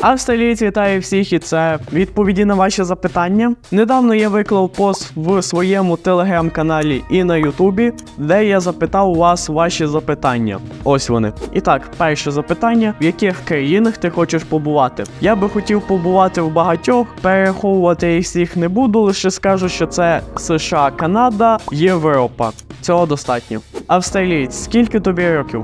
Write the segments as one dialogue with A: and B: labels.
A: Австралієць вітає всіх, і це відповіді на ваші запитання. Недавно я виклав пост в своєму телеграм-каналі і на ютубі, де я запитав у вас ваші запитання. Ось вони. І так, перше запитання: в яких країнах ти хочеш побувати? Я би хотів побувати в багатьох, перераховувати їх всіх не буду, лише скажу, що це США, Канада, Європа. Цього достатньо. Австралієць, скільки тобі років?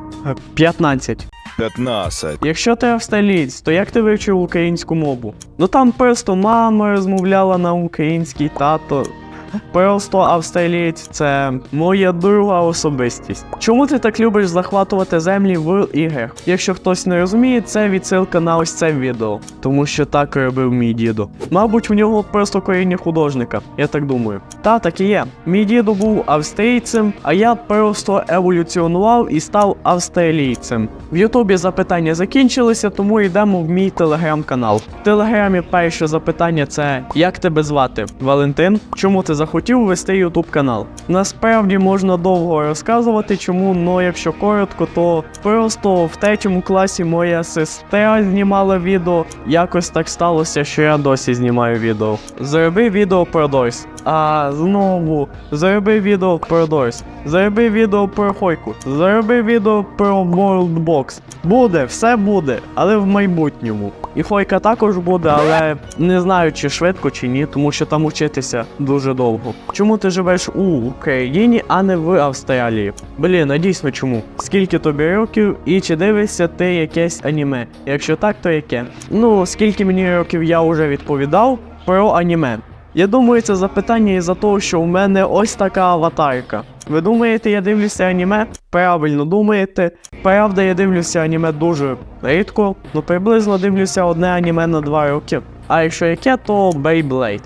A: 15.
B: 15.
A: Якщо ти австралієць, то як ти вивчив українську мову? Ну там просто мама розмовляла на українській, тато. Просто австралієць – це моя друга особистість. Чому ти так любиш захватувати землі в іграх? Якщо хтось не розуміє, це відсилка на ось це відео. Тому що так робив мій дідо. Мабуть, в нього просто коріння художника, я так думаю. Та, так і є. Мій дідо був австрійцем, а я просто еволюціонував і став австралійцем. В ютубі запитання закінчилися, тому йдемо в мій телеграм-канал. В телеграмі перше запитання – це «Як тебе звати?» Валентин. Чому ти захотів вести ютуб канал? Насправді можна довго розказувати чому, но якщо коротко, то просто в 3 класі моя сестра знімала відео. Якось так сталося, що я досі знімаю відео. Зроби відео про Дойс. А знову, зроби відео про Дойс. Зроби відео про Хойку. Зроби відео про Worldbox. Буде, все буде, але в майбутньому. І Хойка також буде, але не знаю, чи швидко, чи ні, тому що там учитися дуже довго. Чому ти живеш у Україні, а не в Австралії? Блін, а дійсно чому? Скільки тобі років і чи дивишся ти якесь аніме? Якщо так, то яке? Ну, скільки мені років я вже відповідав про аніме. Я думаю, це запитання із-за того, що у мене ось така аватарка. Ви думаєте, я дивлюся аніме? Правильно думаєте. Правда, я дивлюся аніме дуже рідко, ну приблизно дивлюся одне аніме на 2 роки. А якщо яке, то Beyblade.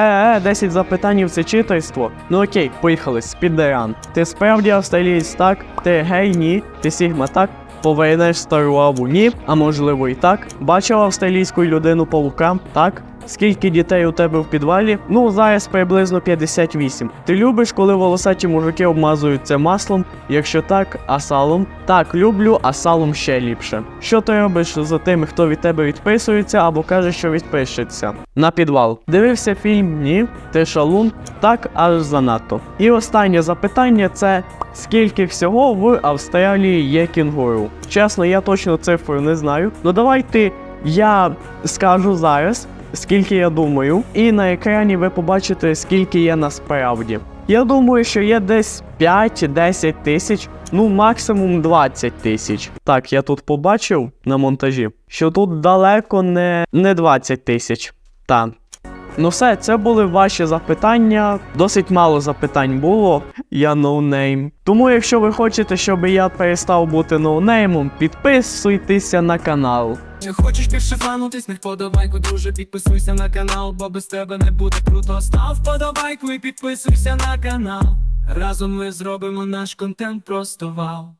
A: 10 запитань – це читерство. Ну окей, поїхали, спідеран. Ти справді австралієць, так? Ти гей, ні? Ти сігма, так? Повернеш стару лаву, ні? А можливо і так? Бачив австралійську людину-павука, так? Скільки дітей у тебе в підвалі? Ну, зараз приблизно 58. Ти любиш, коли волосаті мужики обмазуються маслом? Якщо так, а салом? Так, люблю, а салом ще ліпше. Що ти робиш з тими, хто від тебе відписується або каже, що відпишеться? На підвал. Дивився фільм? Ні. Ти шалун? Так, аж занадто. І останнє запитання – це скільки всього в Австралії є кінгуру? Чесно, я точно цифру не знаю. Ну давайте я скажу зараз, скільки я думаю, і на екрані ви побачите, скільки є насправді. Я думаю, що є десь 5-10 тисяч, ну максимум 20 тисяч. Так, я тут побачив на монтажі, що тут далеко не 20 тисяч. Так. Ну все, це були ваші запитання. Досить мало запитань було, я ноунейм. Тому якщо ви хочете, щоб я перестав бути ноунеймом, підписуйтеся на канал.
C: Хочеш більше фанутись, не вподобайку, друже, підписуйся на канал, бо без тебе не буде круто. Став вподобайку і підписуйся на канал. Разом ми зробимо наш контент просто вау.